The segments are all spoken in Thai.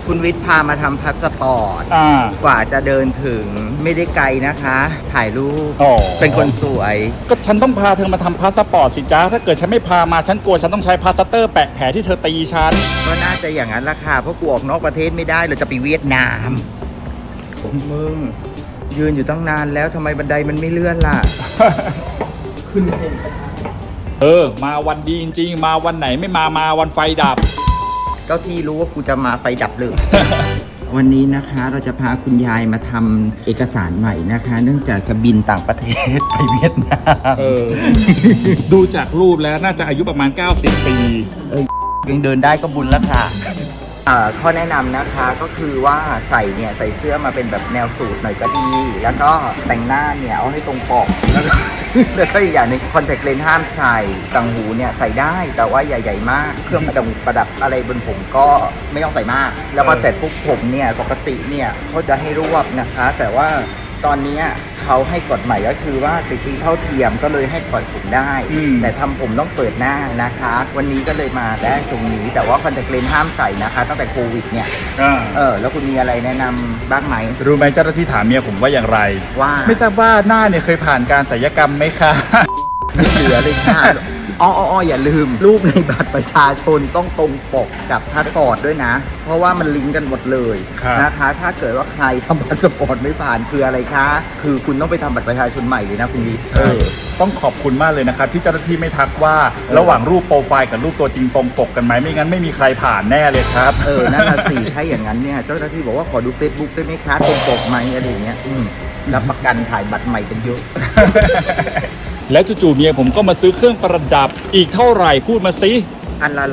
คุณวิทย์พามาทำพาสปอร์ต กว่าจะเดินถึงไม่ได้ไกลนะคะ ถ่ายรูปเป็นคนสวยก็ฉันต้องพาเธอมาทำพาสปอร์ตสิจ้าถ้าเกิดฉันไม่พามาฉันกลัวฉันต้องใช้พลาสเตอร์แปะแผลที่เธอตีฉันก็น่าจะอย่างนั้นละค่ะเพราะกูออกนอกประเทศไม่ได้เราจะไปเวียดนามมึงยืนอยู่ตั้งนานแล้วทำไมบันไดมันไม่เลื่อนล่ะ ขึ้นเองมาวันดีจริงๆมาวันไหนไม่มาวันไฟดับเจ้าที่รู้ว่ากูจะมาไฟดับเลย วันนี้นะคะเราจะพาคุณยายมาทำเอกสารใหม่นะคะ เนื่องจากจะบินต่างประเทศไปเวียดนามดูจากรูปแล้วน่าจะอายุประมาณ90 ปียังเดินได้ก็บุญแล้วค่ะข้อแนะนำนะคะก็คือว่าใส่เสื้อมาเป็นแบบแนวสูทหน่อยก็ดี แล้วก็แต่งหน้าเนี่ยเอาให้ตรงปกแล้วก็อีกอย่างหนึ่งคอนแทคเลนส์ห้ามใส่ต่างหูเนี่ยใส่ได้แต่ว่าใหญ่ๆมากเครื่องประดับอะไรบนผมก็ไม่ต้องใส่มากแล้วพอเสร็จปุ๊บผมเนี่ยปกติเนี่ยเขาจะให้รวบนะคะแต่ว่าตอนนี้เขาให้กฎใหม่ก็คือว่าสิทธิเท่าเทียมก็เลยให้ปล่อยผมได้แต่ทำผมต้องเปิดหน้านะคะวันนี้ก็เลยมาได้ทรงนี้แต่ว่าคอนแทคเลนส์ห้ามใส่นะคะตั้งแต่โควิดเนี่ยแล้วคุณมีอะไรแนะนำบ้างไหมรู้ไหมเจ้าหน้าที่ถามเมียผมว่าอย่างไรว่าไม่ทราบว่าหน้าเนี่ยเคยผ่านการศัลยกรรมไหมคะไม่เหลือเลยค่ะอย่าลืมรูปในบัตรประชาชนต้องตรงปกกับพาสปอร์ตด้วยนะเพราะว่ามันลิงก์กันหมดเลยนะคะถ้าเกิดว่าใครทำพาสปอร์ตไม่ผ่านคืออะไรคะคือคุณต้องไปทำบัตรประชาชนใหม่เลยนะคุณวิทย์ต้องขอบคุณมากเลยนะครับที่เจ้าหน้าที่ไม่ทักว่าระหว่างรูปโปรไฟล์กับรูปตัวจริงตรงปกกันไหมไม่งั้นไม่มีใครผ่านแน่เลยครับนั่นน่ะสิถ้าอย่างนั้นเนี่ยเจ้าหน้าที่บอกว่าขอดู Facebook ได้ไหมคะตรงปกไหมอะไรอย่างเงี้ยรับประกันถ่ายบัตรใหม่กันเยอะแล้วจู่ๆเมียผมก็มาซื้อเครื่องประดับอีกเท่าไหร่พูดมาสิอันละ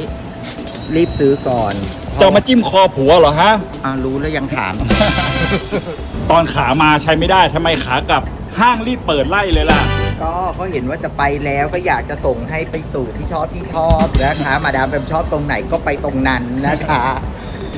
100รีบซื้อก่อนจะมาจิ้มคอผัวเหรอฮะรู้แล้วยังถามตอนขามาใช้ไม่ได้ทำไมขากลับห้างรีบเปิดไล่เลยล่ะก็เขาเห็นว่าจะไปแล้วก็อยากจะส่งให้ไปสู่ที่ชอบนะคะมาดามแปมชอบตรงไหนก็ไปตรงนั้นนะคะ